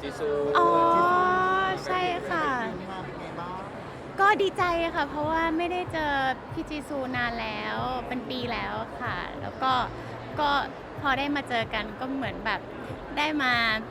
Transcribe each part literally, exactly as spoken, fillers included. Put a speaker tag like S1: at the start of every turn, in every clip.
S1: จีซู
S2: อ๋อใช่ค่ะ ก็ดีใจค่ะเพราะว่าไม่ได้เจอพี่จีซูนานแล้วเป็นปีแล้วค่ะ แล้วก็ก็พอได้มาเจอกันก็เหมือนแบบได้มา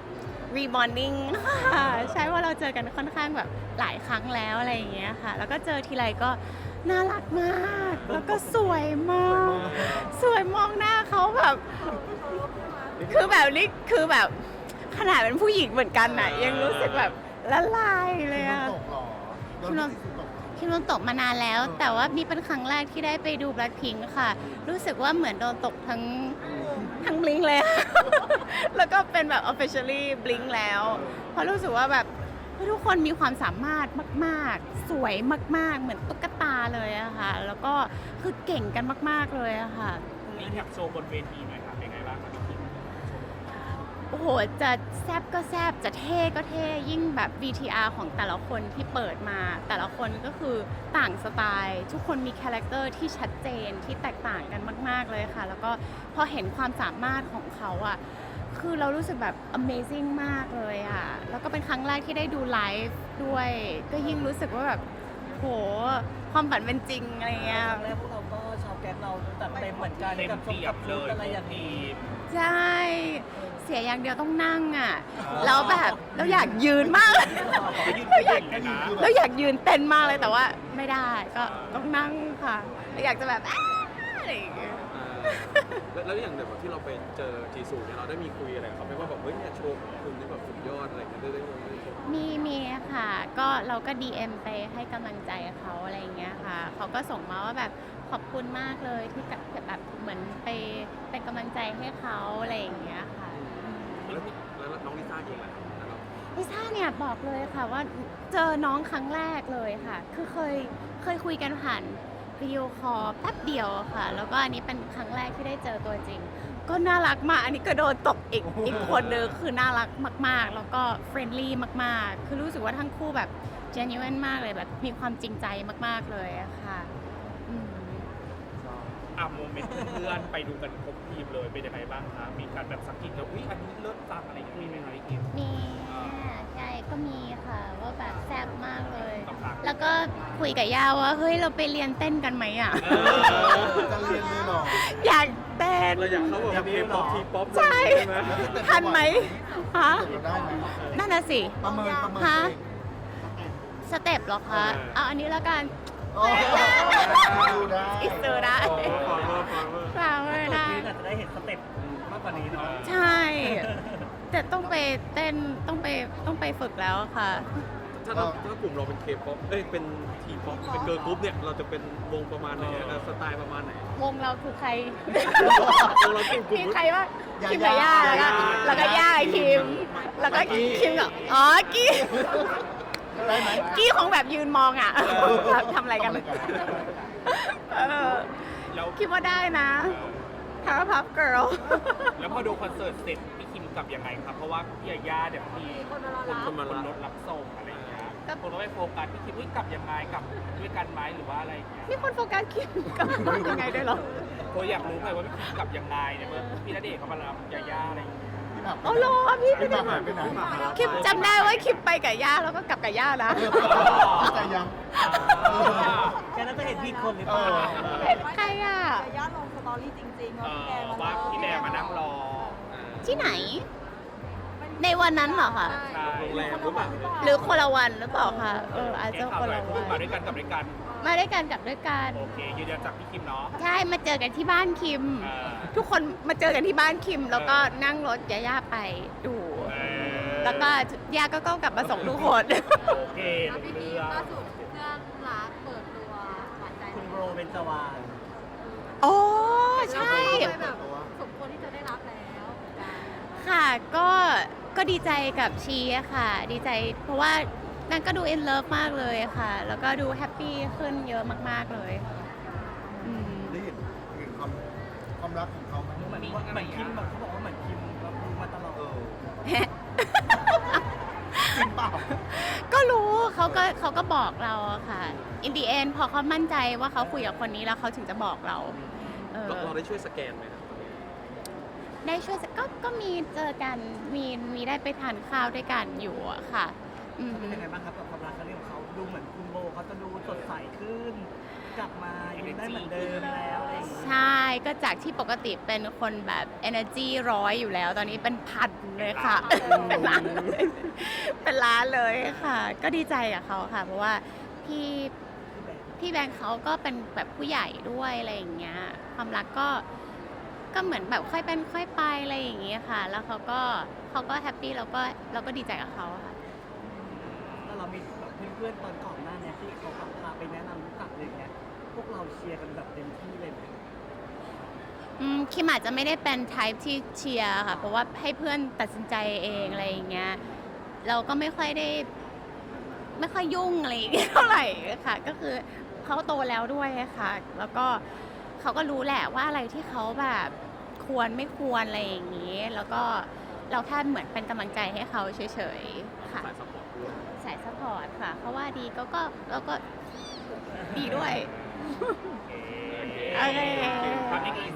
S2: rebonding ค่ะใช่ว่าเราเจอกันค่อนข้างแบบหลายครั้งแล้วอะไรอย่างเงี้ยค่ะ แล้วก็เจอทีไรก็น่ารักมาก แล้วก็สวยมาก สวยมองหน้าเขาแบบคือแบบนี้คือแบบขนาดเป็นผู้หญิงเหมือนกันน่ะยังรู้สึกแบบละลายเลยอะ คิมโดนคิมโดนตกมานานแล้ว แต่ว่านี่เป็นครั้งแรกที่ได้ไปดู Blackpink ค่ะ รู้สึกว่าเหมือนโดนตกทั้งทั้งบลิงเลย แล้วก็เป็นแบบ officially บลิงแล้ว เพราะรู้สึกว่าแบบทุกคนมีความสามารถมากๆ สวยมากๆ เหมือนตุ๊กตาเลยอะค่ะ แล้วก็คือเก่งกันมากๆเลยอะค่ะ
S3: รีแคปโชว์บนเวทีหน่อยค่ะเป็นไงบ้างครับพี่คิม
S2: โอ้โห จะแซบก็แซบจะเท่ก็เท่ยิ่งแบบ วี ที อาร์ ของแต่ละคนที่เปิดมา แต่ละคนก็คือต่างสไตล์ ทุกคนมีคาแรคเตอร์ที่ชัดเจนที่แตกต่างกันมากๆเลยค่ะ แล้วก็พอเห็นความสามารถของเขาอะคือเรารู้สึกแบบ amazing มากเลยอะแล้วก็เป็นครั้งแรกที่ได้ดูไลฟ์ด้วย ก็ยิ่งรู้สึกว่าแบบโหความฝันเป็นจริงอะไรเงี้ย
S4: ครั้งแรกพวกเราก็ชาวแก๊งเราจัดเต็มเหมือนกัน
S3: เต็ม
S4: กับชม
S3: เปีย
S4: กั
S3: บบ เล
S4: ชุด
S3: ย
S4: อะไรอย่างนี้
S2: ใช่ เสียอย่างเดียวต้องนั่งอ่ะ แล้วแบบเราอยากยืนมาก เราอยาก
S3: เลยนะ
S2: เราอยากยืนเต้นมากเลยแต่ว่าไม่ได้ก็ต้องนั่งค่ะเราอยากจะแบบอ้าอะไรอย่างเงี้ย
S1: แล้วแล้วอย่างแบบที่เราไปเจอจีซูเนี่ยเราได้มีคุยอะไรกับเขาไหมว่าแบบเฮ้ยเนี่ยโชว์ของคุณนี่แบบสุดยอดอะไรอย่างเงี้ยได้ได้ได้ได้ชม
S2: มีมีค่ะ ก็เราก็ ดี เอ็ม ไปให้กำลังใจเขาอะไรอย่างเงี้ยค่ะ เขาก็ส่งมาว่าแบบขอบคุณมากเลยที่กับแบบเหมือนไปเป็นกำลังใจให้เขาอะไรอย่างเงี้ยค่ะ
S1: แล้วนี่แล้วน้องลิซ่าเองล่ะครับแล้วเรา
S2: ลิซ่าเนี่ยบอกเลยค่ะว่าเจอน้องครั้งแรกเลยค่ะ คือเคยเคยคุยกันผ่านวิดีโอคอลแป๊บเดียวค่ะ แล้วก็อันนี้เป็นครั้งแรกที่ได้เจอตัวจริง ก็น่ารักมาก อันนี้ก็โดนตกอีกอีกคนนึงคือน่ารักมากๆ แล้วก็เฟรนลี่มากๆ คือรู้สึกว่าทั้งคู่แบบ genuine มากเลยแบบมีความจริงใจมากๆเลยอะค่ะอืม
S3: อ่ะโมเมนต์เพื่อนๆไปดูกันครบทีมเลยเป็นยังไงบ้างคะมีการแบบสักกิจแล้วอุ้ยอันนี้เลิศจังอะไรอย่างเงี้ยมีไหมคะพี่คิม
S2: มีใช่ก็มีค่ะว่าแบบแซ่บมากเลย
S3: ต้องพัก
S2: แล้วก็คุยกับย่าว่าเฮ้ยเราไปเรียนเต้นกันไหมอ่ะ
S5: จะเรียนเลยเหรอ
S2: อยากเต้น
S1: เราอยากเข้าแบบเคป๊อปทีป๊อป
S2: ใช่
S1: ไหม
S2: ทันไหมฮะ
S5: เราได้ไหม
S2: นั่นน่ะสิ
S5: ประเมินประเมิน
S2: ฮะ
S5: เอง
S2: สเต็ปเหรอคะเอาอันนี้แล้วกัน
S5: โอ้ยดูได้
S2: อิสระได้
S1: ฟอร์เวอร์ฟอร์เวอร์
S2: ฟลาวเวอ
S4: ตัว
S2: ร์ได้
S4: นี้อาจจะได้เห็นสเต็ปมากกว่านี้เนาะ
S2: ใช่ แต่ต้องไปเต้นต้องไปต้องไปฝึกแล้วค่ะ
S1: ถ้าเราถ้ากลุ่มเราเป็นเคป๊อปเอ้ยเป็นทีป๊อปเป็นเกิร์ลกรุ๊ปเนี่ยเราจะเป็นวงประมาณไหนอะสไตล์ประมาณไหน
S2: วงเราคือใคร
S1: วงเรากลุ่มกลุ่ม
S2: มีใครบ้างคิมกับย่าแล้วก็แล้วก็ย่าคิม แล้วก็คิมกับอ๋อกี้
S5: ได้ไหม
S2: กี้คงแบบยืนมองอ่ะทำอะไรกันเออ
S3: แล้ว
S2: คิดว่าได้นะพาวพับเกิร์ล
S3: แล้วพอดูคอนเสิร์ตเสร็จพี่คิมกลับยังไงครับเพราะว่าพี่ยาย่าเดี๋ยวมีคนคนมารถรับส่งอะไรอย่างเงี้ยคนก็ไปโฟกัสพี่คิมว่ากลับยังไงกลับด้วยกันไหมหรือว่าอะไรอย่างเงี้ย
S2: มีคนโฟกัสคิมกับยังไงด้วยเหรอ
S3: โคอยากรู้ไงว่าพี่คิมกลับยังไงเนี่ยเมื่อพี่ณเดชน์เขามารับยาย่าอะไรอย่างเงี้ย
S5: พี่หมาก
S2: อ๋อเหรอพี่
S5: พี่หมากหายไปไหน
S2: คิมจำได้ว่าคิมไปกับย่าแล้วก็กลับกับย่านะ
S5: เข้าใจยัง
S4: แค่นั้นจะเห็นพี่คนหรือเปล่า
S2: ใครอ่ะ
S6: แต่ย่าลงสตอรี่จริงๆ
S3: เอ
S6: ว่าพี่แดง
S3: อ
S6: มา
S3: ว่าพี่แดงมานั่งรอ
S2: ที่ไหน ในวันนั้นเหรอคะ
S3: ใช่
S1: โรงแรมหรือเปล่า
S2: หรือคนละวันหรือเปล่าคะเอออาจ
S3: แก
S2: จะ
S3: ข่าว
S2: คน
S3: หน่อ
S2: ละ
S3: ย
S2: วั
S3: มาน ด้วยกันกลับด้วยกัน
S2: มาด้วยกันกลับด้วยกัน
S3: โอเคยืนยันจากพี่คิมเนาะ
S2: ใช่มาเจอกันที่บ้านคิม
S3: เออ
S2: ทุกคนมาเจอกันที่บ้านคิม แล้วก็นั่งรถย่าๆไปดู
S3: เออ
S2: แล้วก็ย่าก็ก็กลับมาส่งทุกคน
S3: โอเค
S6: แล้วพี่
S3: รู้
S6: พี
S3: เรื่อง
S6: ล่าสุดเพื่อนรักเปิดตัวหวานใจ
S4: คุณโรเบนจวาน
S2: โอ้ใช่
S6: เลยแบบสมควรที่จะได้รับแล้ว
S2: ค่ะก็ก็ดีใจกับชีอะค่ะ ดีใจเพราะว่านั่นก็ดู in love มากเลยค่ะ แล้วก็ดูแฮปปี้ขึ้นเยอะมากๆเลยอืม
S5: ได้เห็นเห็นความความรักของเขาไหม
S4: เหมือนเหมือนคิมแบบเขาบอกว่าเหมือนคิมเราดูมาตลอด
S5: เออจริงเปล่า
S2: ก็รู้เขาก็เขาก็บอกเราอะค่ะ in the end พอเขามั่นใจว่าเขาคุยกับคนนี้แล้วเขาถึงจะบอกเราเออ
S1: เราเราได้ช่วยสแกนไหมครับ
S2: กได้ช่วยก็ก็มีเจอกันมีมีได้ไปทานข้าวด้วยกันอยู่อะค่ะอืม
S4: เป็นยังไงบ้างครับกับความรักครั้งนี้ของเขาดูเหมือนคุณโบเขาจะดูสดใสขึ้น กลับมายิ้มได้เหมือนเดิมแล้วอะไรอย่างเงี้ย
S2: ใช่ก็จากที่ปกติเป็นคนแบบ energy ร้อยอยู่แล้ว ตอนนี้เป็นพันเลยค่ะ เป็นล้านเลยเป็นล้านเลยค่ะ ก็ดีใจกับเขาค่ะ เพราะว่าพี่พี่แบงค์เขาก็เป็นแบบผู้ใหญ่ด้วยอะไรอย่างเงี้ยความรักก็ก็เหมือนแบบค่อยเป็นค่อยไปอะไรอย่างเงี้ยค่ะ แล้วเขาก็เขาก็แฮปปี้แล้วก็เราก็ดีใจกับเขาค่ะ
S4: แล้วเรามีแบบเพื่อนๆตอนก่อนหน้าเนี้ที่เขาพาไปแนะนำรู้จักอะไรอย่างเงี้ยพวกเราเชียร์กันแบบเต็มที่เลยไหม
S2: อืมคิมอาจจะไม่ได้เป็น type ที่เชียร์ค่ะ เพราะว่าให้เพื่อนตัดสินใจเองอะไรอย่างเงี้ยเราก็ไม่ค่อยได้ ไม่ค่อยยุ่งอะไรอย่างเงี้ยเท่าไหร่ค่ะ ก็คือเขาโตแล้วด้วยค่ะ แล้วก็เขาก็รู้แหละว่าอะไรที่เขาแบบควรไม่ควรอะไรอย่างนี้ แล้วก็เราแค่เหมือนเป็นกำลังใจให้เขาเฉยๆค่ะ
S1: สายซัพพอร์ตด้วย
S2: สายซัพพอร์ตค่ะ เพราะว่าดีก็ก็แล้วก็ดีด้วย
S3: โอเค
S2: โอเค
S3: ทำอีก